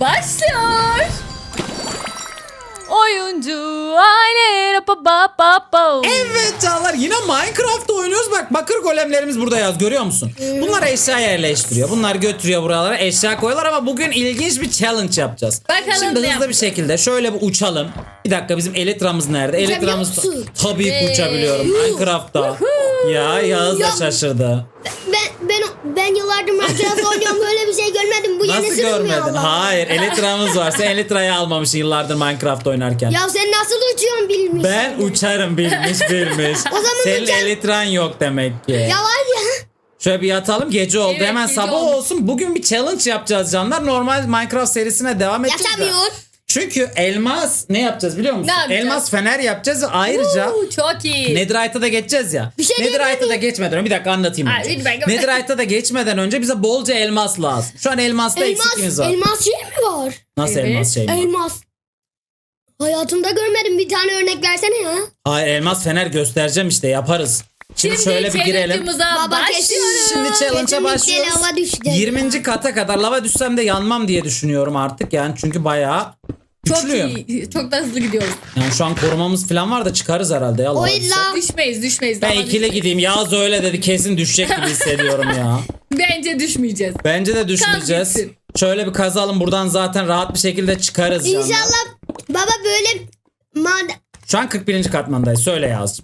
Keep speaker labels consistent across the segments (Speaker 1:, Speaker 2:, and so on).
Speaker 1: başlıyor. Oyuncu aile
Speaker 2: Evet canlar, yine Minecraft oynuyoruz. Bak, bakır golemlerimiz burada yaz, görüyor musun? Bunlar eşya yerleştiriyor. Bunlar götürüyor buralara, eşya koyuyorlar ama bugün ilginç bir challenge yapacağız.
Speaker 1: Bakalım
Speaker 2: Şimdi
Speaker 1: ne
Speaker 2: hızlı bir şekilde şöyle bir uçalım. Bir dakika, bizim Elytra'mız nerede? Elytra'mız
Speaker 3: musun?
Speaker 2: tabii ki uçabiliyorum Minecraft'ta. Ya Yağız da şaşırdı.
Speaker 3: Ben yıllardır Minecraft oynuyorum, böyle bir şey görmedim. Bu
Speaker 2: Nasıl
Speaker 3: yenisi mi
Speaker 2: görmedin?
Speaker 3: Allah?
Speaker 2: Hayır, Elytra'mız var. Sen Elytra'yı almamışsın yıllardır Minecraft oynarken.
Speaker 3: Ya sen nasıl uçuyorsun bilmiş.
Speaker 2: Ben uçarım bilmiş.
Speaker 3: O zaman
Speaker 2: Senin
Speaker 3: uçar-
Speaker 2: Elytra'n yok demek ki.
Speaker 3: Ya var ya.
Speaker 2: Şöyle bir yatalım, gece oldu.
Speaker 1: Evet,
Speaker 2: Hemen
Speaker 1: gece
Speaker 2: sabah
Speaker 1: olmuş.
Speaker 2: olsun. Bugün bir challenge yapacağız canlar. Normal Minecraft serisine devam edeceğiz. de.
Speaker 3: Yatamıyor.
Speaker 2: Çünkü elmas ne yapacağız biliyor musun?
Speaker 1: Ne yapacağız?
Speaker 2: Elmas fener yapacağız ve ayrıca
Speaker 1: Çok iyi.
Speaker 2: Netherite'a da geçeceğiz ya.
Speaker 3: Bir şey
Speaker 2: Netherite'a
Speaker 3: diyebilir
Speaker 2: da geçmeden önce bir dakika anlatayım.
Speaker 1: Ay,
Speaker 2: önce.
Speaker 1: lütfen.
Speaker 2: Netherite'a da geçmeden önce bize bolca elmas lazım. Şu an elmasta eksikliğimiz var.
Speaker 3: Elmas şey mi var?
Speaker 2: Nasıl
Speaker 1: Evet.
Speaker 2: elmas şey mi?
Speaker 3: Elmas. Hayatımda görmedim, bir tane örnek versene ya.
Speaker 2: Hayır, elmas fener göstereceğim işte, yaparız. Şimdi şöyle bir girelim.
Speaker 1: challenge'ımıza
Speaker 3: Baba
Speaker 1: başlıyoruz.
Speaker 2: Şimdi challenge'a
Speaker 3: Kesinlikle
Speaker 2: başlıyoruz.
Speaker 3: lava düşeceğiz
Speaker 2: 20. kata kadar lava düşsem de yanmam diye düşünüyorum artık yani, çünkü bayağı
Speaker 1: Çok
Speaker 2: güçlüyüm.
Speaker 1: iyi. Çok da hızlı gidiyoruz.
Speaker 2: Yani şu an korumamız falan var da çıkarız herhalde ya.
Speaker 3: O
Speaker 2: lava
Speaker 3: illa
Speaker 2: düşse.
Speaker 1: Düşmeyiz.
Speaker 2: Ben
Speaker 1: Daha
Speaker 2: ikili gideyim. Yağız öyle dedi, kesin düşecek gibi hissediyorum ya.
Speaker 1: Bence düşmeyeceğiz.
Speaker 2: Bence de düşmeyeceğiz.
Speaker 1: gitsin.
Speaker 2: Şöyle bir kazalım, buradan zaten rahat bir şekilde çıkarız canlar.
Speaker 3: İnşallah baba böyle
Speaker 2: Şu an 41. katmandayız. Söyle Yağız'cığım.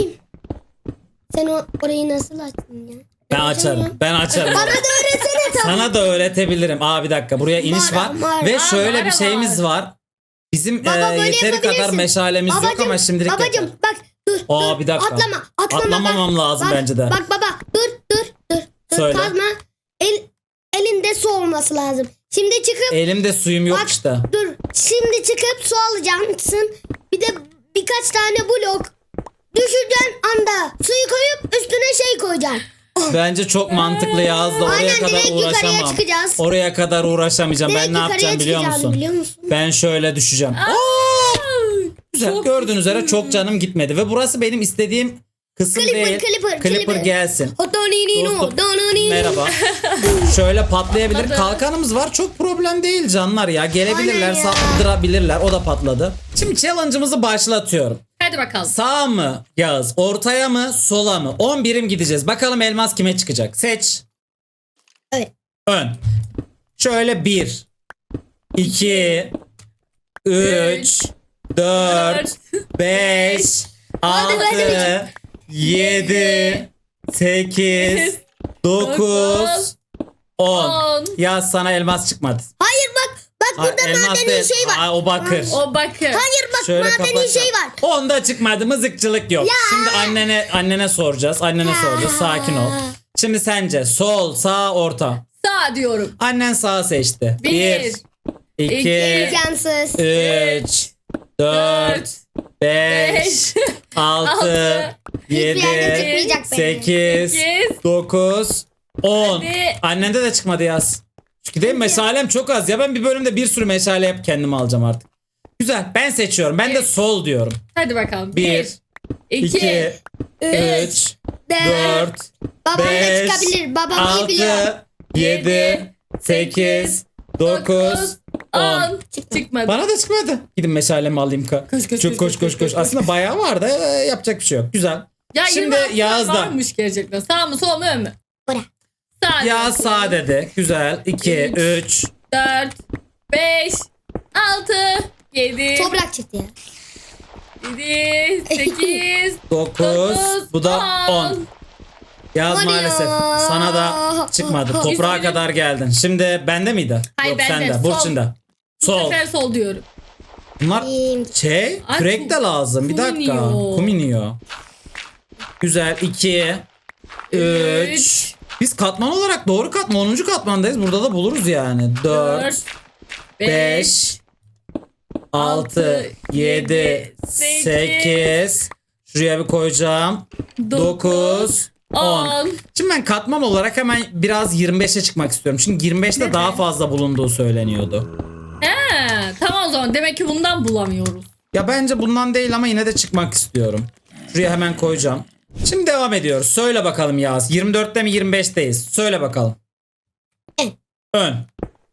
Speaker 3: sen orayı nasıl açtın ya?
Speaker 2: Ben açarım. Ben açarım.
Speaker 3: Bana da öğretsene tamam.
Speaker 2: Sana da öğretebilirim. Bir dakika, buraya iniş var. Ve şöyle bir şeyimiz var. Bizim
Speaker 3: Baba, böyle
Speaker 2: yeteri kadar
Speaker 3: yapabilirsin.
Speaker 2: meşalemiz yok ama şimdilik
Speaker 3: Babacım
Speaker 2: yeter.
Speaker 3: bak dur.
Speaker 2: Bir dakika.
Speaker 3: Atlama.
Speaker 2: Atlamamam
Speaker 3: bak.
Speaker 2: lazım
Speaker 3: Bak,
Speaker 2: bence de.
Speaker 3: Bak baba dur.
Speaker 2: Söyle.
Speaker 3: Kazma. Elinde su olması lazım. Şimdi çıkıp
Speaker 2: Elimde suyum yok
Speaker 3: bak,
Speaker 2: işte.
Speaker 3: dur. Şimdi çıkıp su alacaksın. Bir de birkaç tane blok. Düşüreceğin anda suyu koyup üstüne şey koyacaksın.
Speaker 2: Bence çok mantıklı Yağız da, oraya
Speaker 3: Aynen,
Speaker 2: kadar
Speaker 3: direkt yukarıya
Speaker 2: uğraşamam.
Speaker 3: çıkacağız.
Speaker 2: Oraya kadar uğraşamayacağım.
Speaker 3: Direkt
Speaker 2: Ben ne
Speaker 3: yukarıya
Speaker 2: yapacağım biliyor
Speaker 3: çıkacağını
Speaker 2: musun?
Speaker 3: biliyor musun?
Speaker 2: Ben şöyle düşeceğim. Güzel.
Speaker 1: Çok
Speaker 2: Gördüğünüz üzere çok canım gitmedi ve burası benim istediğim kısım değil.
Speaker 3: Clipper.
Speaker 2: gelsin.
Speaker 3: Dostum,
Speaker 2: Merhaba. Şöyle patlayabilir.
Speaker 1: Patladı.
Speaker 2: Kalkanımız var. Çok problem değil canlar ya. Gelebilirler,
Speaker 3: Aynen ya.
Speaker 2: saldırabilirler. O da patladı. Şimdi challenge'ımızı başlatıyorum.
Speaker 1: Hadi bakalım.
Speaker 2: Sağ mı Yağız? Ortaya mı? Sola mı? 10 birim gideceğiz. Bakalım elmas kime çıkacak? Seç.
Speaker 3: Evet.
Speaker 2: Ön. Şöyle 1 2 3 4 5 6 7 8 9 10.
Speaker 1: 10.
Speaker 2: Ya sana elmas çıkmadı.
Speaker 3: Hayır bak burada
Speaker 2: elmas
Speaker 3: madeni
Speaker 2: değil.
Speaker 3: şey var.
Speaker 2: O bakır.
Speaker 1: O bakın.
Speaker 3: Hayır bak
Speaker 2: Şöyle
Speaker 3: madeni
Speaker 2: kapatacağım.
Speaker 3: şey var.
Speaker 2: Onda çıkmadı, mızıkçılık yok. Şimdi annene soracağız. Annene soracağız. Sakin ol. Şimdi sence sol, sağ, orta.
Speaker 1: Sağ diyorum.
Speaker 2: Annen sağ seçti.
Speaker 1: 1,
Speaker 2: 2
Speaker 3: İmkansız.
Speaker 2: 3 4 5 6
Speaker 3: Hiçbir yerden
Speaker 2: 7
Speaker 3: çıkmayacak benim.
Speaker 2: 8
Speaker 1: 8,
Speaker 2: 9 10.
Speaker 1: Hadi.
Speaker 2: Annende de çıkmadı yaz. Çünkü değil mi? Meşalem çok az ya. Ben bir bölümde bir sürü meşale yap kendime alacağım artık. Güzel. Ben seçiyorum. Ben de sol diyorum.
Speaker 1: Hadi bakalım.
Speaker 2: 1 2 3 4
Speaker 3: Babam da
Speaker 2: 5
Speaker 3: çıkabilir. Babam iyi biliyor.
Speaker 2: 6 7 8 9 10.
Speaker 1: 10. Çıkmadı.
Speaker 2: Bana da çıkmadı. Gidin meşalemi alayım. Koş. Aslında bayağı var da yapacak bir şey yok. Güzel.
Speaker 1: Ya
Speaker 2: Şimdi
Speaker 1: 26
Speaker 2: Yağız'da.
Speaker 1: varmış gerçekten. Sağ mı sol mu ön mü?
Speaker 3: Bora.
Speaker 1: Sağ.
Speaker 2: Ya
Speaker 1: diyorum.
Speaker 2: sağ dedi. Güzel. 2 3
Speaker 1: 4, 5, 6, 7,
Speaker 3: Toprak çıktı ya.
Speaker 1: 7, 8,
Speaker 2: 9. Bu da 10. Yaz
Speaker 3: Hadi
Speaker 2: maalesef.
Speaker 3: ya.
Speaker 2: Sana da çıkmadı. Toprağa
Speaker 1: Üzgünüm.
Speaker 2: kadar geldin. Şimdi bende miydi?
Speaker 1: Hayır,
Speaker 2: Yok
Speaker 1: bende.
Speaker 2: sende.
Speaker 1: Sol.
Speaker 2: Burçin'de.
Speaker 1: Bu
Speaker 2: Sol.
Speaker 1: sefer sol diyorum.
Speaker 2: Bunlar
Speaker 3: Kim?
Speaker 1: Ay,
Speaker 2: kürek de lazım. Bir
Speaker 1: kum
Speaker 2: dakika.
Speaker 1: iniyor.
Speaker 2: Kum iniyor. Güzel. 2 3 Biz katman olarak doğru katman 10. katmandayız. Burada da buluruz yani. 4 5 6 7 8 Şuraya bir koyacağım. 9 10. Şimdi ben katman olarak hemen biraz 25'e çıkmak istiyorum. Çünkü 25'te daha fazla bulunduğu söyleniyordu.
Speaker 1: He, tamam o zaman. Demek ki bundan bulamıyoruz.
Speaker 2: Ya bence bundan değil ama yine de çıkmak istiyorum. Şuraya hemen koyacağım. Şimdi devam ediyoruz. Söyle bakalım Yağız. 24'te mi 25'teyiz? Söyle bakalım. Ön.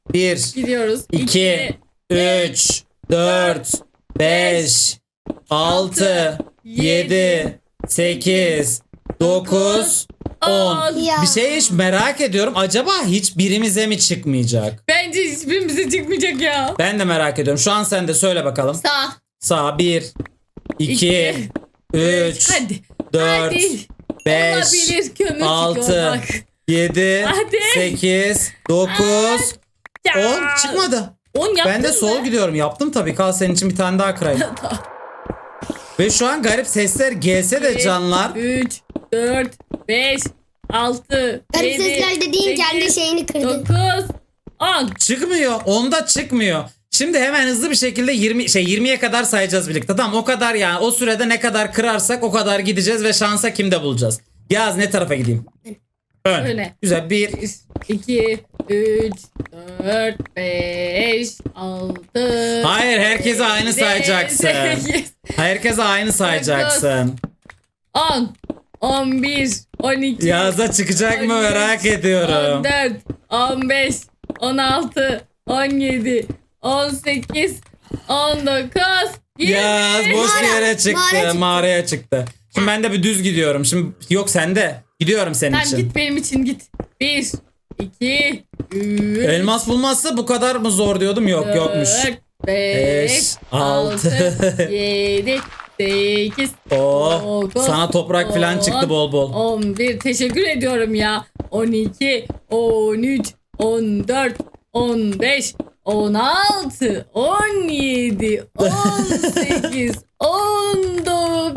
Speaker 2: 1,
Speaker 1: Gidiyoruz.
Speaker 2: 2, 3, 4, 5, 6, 7, 8, 9, 10.
Speaker 3: Ya.
Speaker 2: Bir şey hiç merak ediyorum. Acaba hiçbirimize mi çıkmayacak?
Speaker 1: Bence hiçbirimize çıkmayacak ya.
Speaker 2: Ben de merak ediyorum. Şu an sen de söyle bakalım.
Speaker 1: Sağ.
Speaker 2: Sağ 1, 2, 3,
Speaker 1: Hadi.
Speaker 2: 4,
Speaker 1: Hadi.
Speaker 2: 5,
Speaker 1: Olabilir, kömür çıkıyor
Speaker 2: 6,
Speaker 1: bak.
Speaker 2: 7,
Speaker 1: Hadi.
Speaker 2: 8, 9,
Speaker 1: Ya.
Speaker 2: 10 çıkmadı.
Speaker 1: 10 yaptın
Speaker 2: Ben de
Speaker 1: mı?
Speaker 2: sol gidiyorum. Yaptım tabii. Kal senin için bir tane daha kırayım. Ve şu an garip sesler gelse de canlar.
Speaker 1: 3, 4, 5, 6,
Speaker 3: Garip
Speaker 1: 7,
Speaker 3: sesler dediğin kendi şeyini kırdın.
Speaker 1: 9, 10.
Speaker 2: Çıkmıyor. Onda çıkmıyor. Şimdi hemen hızlı bir şekilde 20'ye kadar sayacağız birlikte. Tamam o kadar yani. O sürede ne kadar kırarsak o kadar gideceğiz ve şansa kimde bulacağız. Yaz ne tarafa gideyim? Ön.
Speaker 1: Öyle.
Speaker 2: Güzel. 1,
Speaker 1: 2, 3, 4, 5, 6.
Speaker 2: Hayır, herkese aynı sayacaksın. Herkese aynı sayacaksın.
Speaker 1: 10, 11, 12.
Speaker 2: Yazda çıkacak mı
Speaker 1: 13,
Speaker 2: merak ediyorum.
Speaker 1: 14, 15, 16, 17, 18, 19, 20.
Speaker 2: Yaz boş bir
Speaker 3: Mağara,
Speaker 2: yere çıktı.
Speaker 3: mağara çıktı.
Speaker 2: Mağaraya çıktı. Şimdi ben de bir düz gidiyorum. Şimdi yok sende. Gidiyorum senin
Speaker 1: Tamam
Speaker 2: için.
Speaker 1: git benim için git. 1, 2, 3,
Speaker 2: Elmas bulmazsa bu kadar mı zor diyordum. Yok yokmuş.
Speaker 1: 5,
Speaker 2: Beş,
Speaker 1: 6,
Speaker 2: altı.
Speaker 1: 7, 8,
Speaker 2: Oh, sana toprak falan çıktı bol bol.
Speaker 1: 11. Teşekkür ediyorum ya. 12, 13, 14, 15, 16, 17, 18, 19,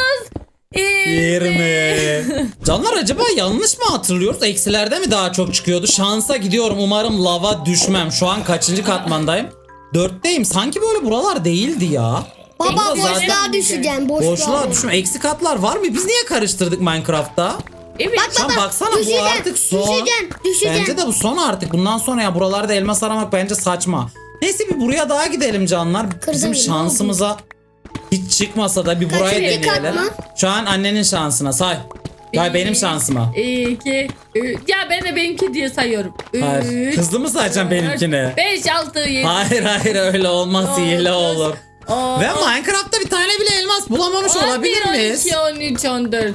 Speaker 2: 20. Canlar acaba yanlış mı hatırlıyoruz? Eksilerde mi daha çok çıkıyordu? Şansa gidiyorum. Umarım lava düşmem. Şu an kaçıncı katmandayım? 4'teyim. Sanki böyle buralar değildi ya.
Speaker 3: Baba
Speaker 2: Burada zaten-
Speaker 3: boşluğa düşeceğim.
Speaker 2: Boşluğa düşme. Eksi katlar var mı? Biz niye karıştırdık Minecraft'ta?
Speaker 1: Evet.
Speaker 3: Bak
Speaker 2: Sen
Speaker 3: baba
Speaker 2: baksana bu
Speaker 3: düşeceksin,
Speaker 2: artık son.
Speaker 3: düşeceksin.
Speaker 2: Bence de bu son artık. Bundan sonra ya buralarda elmas aramak bence saçma. Neyse bir buraya daha gidelim canlar. Bizim
Speaker 3: Kırdın,
Speaker 2: şansımıza hiç çıkmasa da bir burayı
Speaker 3: Kaçıncı kat
Speaker 2: deneyelim.
Speaker 3: mı?
Speaker 2: Şu an annenin şansına say. Ya benim şansıma.
Speaker 1: 2, 3. Ya ben de benimki diye sayıyorum.
Speaker 2: Hayır.
Speaker 1: 3,
Speaker 2: Hızlı mı sayacağım benimkini?
Speaker 1: 5, 6, 7.
Speaker 2: Hayır öyle olmaz. Hile olur. Ve
Speaker 1: Ve
Speaker 2: Minecraft'ta bir tane bile elmas bulamamış olabilir miyiz?
Speaker 1: 12, 13, 14.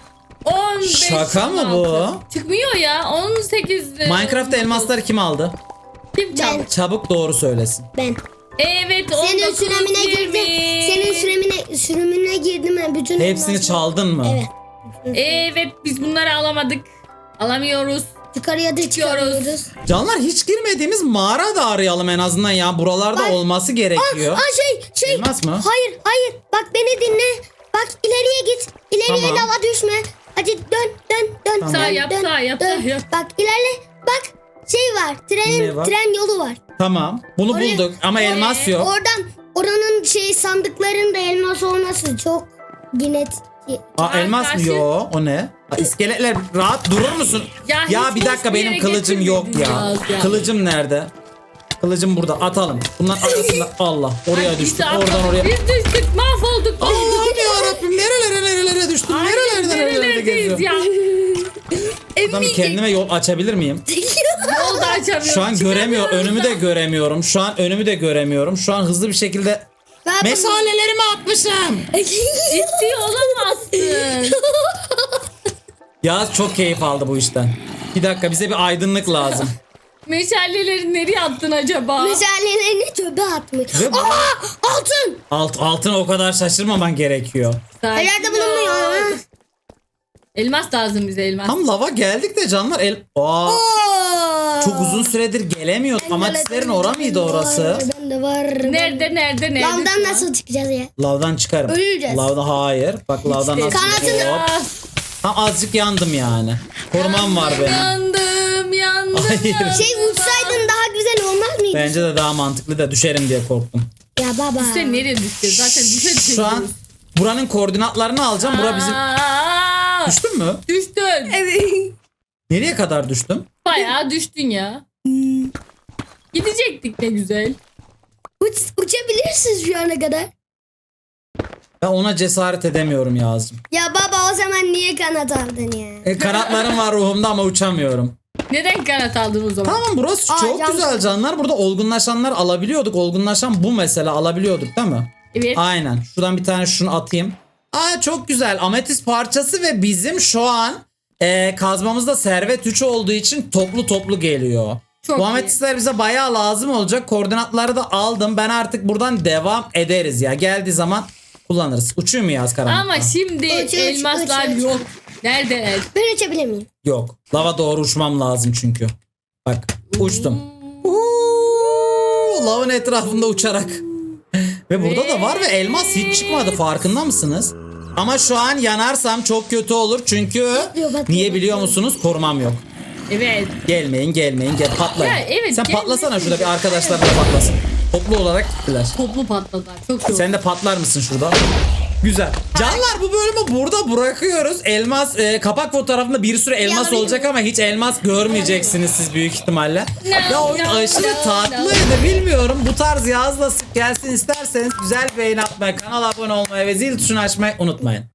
Speaker 1: 15,
Speaker 2: Şaka mı
Speaker 1: 16.
Speaker 2: bu?
Speaker 1: Çıkmıyor ya. 18.
Speaker 2: Minecraft'ta elmasları kim aldı?
Speaker 1: kim çaldı?
Speaker 3: Ben.
Speaker 2: Çabuk doğru söylesin.
Speaker 3: Ben.
Speaker 1: Evet 19,
Speaker 3: Senin sürümüne
Speaker 1: 20.
Speaker 3: girdim. Senin sürümüne girdim ben. Bütün
Speaker 2: Hepsini
Speaker 3: elmasları-
Speaker 2: çaldın mı?
Speaker 3: Evet.
Speaker 1: Evet biz bunları alamadık. Alamıyoruz.
Speaker 3: Yukarıya da çıkıyoruz.
Speaker 2: Canlar hiç girmediğimiz mağara da arayalım en azından ya. Buralarda
Speaker 3: Bak.
Speaker 2: olması gerekiyor.
Speaker 3: Şey.
Speaker 2: Elmas mı?
Speaker 3: Hayır. Bak beni dinle. Bak ileriye git. İleriye
Speaker 2: Tamam.
Speaker 3: lava düşme. Hadi dön.
Speaker 2: Tamam.
Speaker 1: Sağ yap, sağ yap.
Speaker 3: Bak ilerle. Bak şey var.
Speaker 2: Ne var?
Speaker 3: Tren yolu var.
Speaker 2: Tamam. Bunu
Speaker 3: Oraya-
Speaker 2: bulduk ama elmas yok.
Speaker 3: Oranın sandıklarında elmas olması çok yine
Speaker 2: Aa, elmas mı?
Speaker 1: karşı-
Speaker 2: Yo, o ne? Ha, iskeletler rahat durur musun?
Speaker 1: Ya
Speaker 2: Ya
Speaker 1: hiç
Speaker 2: bir dakika
Speaker 1: hiçbir
Speaker 2: benim
Speaker 1: yere
Speaker 2: kılıcım yok ya.
Speaker 1: getirmedin ya.
Speaker 2: Kılıcım nerede? Kılıcım burada. Atalım. Bunlar arasında Allah. Oraya
Speaker 1: Ay,
Speaker 2: düştüm.
Speaker 1: işte
Speaker 2: Oradan oraya.
Speaker 1: Biz düştük mahvolduk.
Speaker 2: Allah'ım ya Rabbim nerelere düştüm? Nerelere
Speaker 1: Nerelerdeyiz
Speaker 2: geziyorum?
Speaker 1: ya?
Speaker 2: Buradan bir kendime yol açabilir miyim?
Speaker 1: Yol da açamıyorum.
Speaker 2: Şu an göremiyorum.
Speaker 1: çıkamıyoruz
Speaker 2: Önümü
Speaker 1: da.
Speaker 2: de göremiyorum. Şu an önümü de göremiyorum. Şu an hızlı bir şekilde meşalelerimi atmışım.
Speaker 1: Ciddi olamazsın.
Speaker 2: Ya çok keyif aldı bu işten. Bir dakika bize bir aydınlık lazım.
Speaker 1: Meşaleleri nereye attın acaba?
Speaker 3: Meşalelerini çöpe atmış.
Speaker 2: Ve bu-
Speaker 3: Altın.
Speaker 2: Altına o kadar şaşırmaman gerekiyor.
Speaker 1: Sakin
Speaker 3: Nerede
Speaker 1: ol.
Speaker 3: bulunmuyor?
Speaker 1: Elmas lazım bize elmas.
Speaker 2: Tam lava geldik de canlar Aa, çok uzun süredir gelemiyorduk. Amatislerin ora mıydı orası?
Speaker 3: Ben de var.
Speaker 1: Nerede?
Speaker 3: Lavdan nasıl çıkacağız ya?
Speaker 2: Lavdan çıkarım.
Speaker 3: Öleceğiz.
Speaker 2: Lavdan hayır. Bak lavdan
Speaker 1: İşte
Speaker 2: nasıl
Speaker 3: kanatını-
Speaker 2: Hop. Tam azıcık yandım yani. Korumam var benim.
Speaker 1: Yandım.
Speaker 2: Hayır.
Speaker 3: Uçsaydın daha güzel olmaz mıydı?
Speaker 2: Bence de daha mantıklı da düşerim diye korktum.
Speaker 3: Ya baba.
Speaker 1: Sen nereye düşeceğiz? Zaten düşe
Speaker 2: Şu an buranın koordinatlarını alacağım. Bura bizim... Düştün mü?
Speaker 1: Düştün.
Speaker 3: Evet.
Speaker 2: Nereye kadar düştüm?
Speaker 1: Bayağı düştün ya. Gidecektik ne güzel.
Speaker 3: Uçabilirsiniz şu ana kadar.
Speaker 2: Ben ona cesaret edemiyorum Yazcığım.
Speaker 3: Ya baba o zaman niye kanat aldın ya?
Speaker 2: Kanatlarım var ruhumda ama uçamıyorum.
Speaker 1: Neden kanat aldın o zaman?
Speaker 2: Tamam burası çok
Speaker 3: can-
Speaker 2: güzel canlar. Burada olgunlaşanlar alabiliyorduk. Olgunlaşan bu mesela alabiliyorduk değil mi?
Speaker 1: Evet.
Speaker 2: Aynen. Şuradan bir tane şunu atayım. Aa çok güzel. Ametist parçası ve bizim şu an kazmamızda servet 3 olduğu için toplu geliyor.
Speaker 1: Çok
Speaker 2: Bu
Speaker 1: iyi.
Speaker 2: ametistler bize bayağı lazım olacak. Koordinatları da aldım. Ben artık buradan devam ederiz ya. Geldiği zaman kullanırız. Uçuyor mu yaz karanlıkta?
Speaker 1: Ama şimdi
Speaker 3: Uç,
Speaker 1: elmaslar
Speaker 3: uç, uç.
Speaker 1: yok. Neredeler?
Speaker 3: Ben açabilir miyim?
Speaker 2: Yok. Lava doğru uçmam lazım çünkü. Bak uçtum. Uuu, lavın etrafında uçarak. Ve burada da var ve elmas hiç çıkmadı, farkında mısınız? Ama şu an yanarsam çok kötü olur çünkü
Speaker 3: Bakıyor.
Speaker 2: niye biliyor musunuz? Korumam yok.
Speaker 1: Evet.
Speaker 2: Gelmeyin gel patlayın.
Speaker 1: Ya evet,
Speaker 2: Sen
Speaker 1: gelmesin.
Speaker 2: patlasana şurada, bir arkadaşlar da patlasın. Toplu olarak gittiler.
Speaker 1: Toplu patladılar. Çok iyi.
Speaker 2: Sen de patlar mısın şurada? Güzel. Canlar bu bölümü burada bırakıyoruz. Elmas kapak fotoğrafında bir sürü elmas
Speaker 3: Yanayım.
Speaker 2: olacak ama hiç elmas görmeyeceksiniz siz büyük ihtimalle. Ya oyun
Speaker 1: no,
Speaker 2: aşırı
Speaker 1: no,
Speaker 2: tatlıydı, bilmiyorum. Bu tarz yazla sık gelsin isterseniz güzel bir beğeni atmayı, kanala abone olmayı ve zil tuşunu açmayı unutmayın.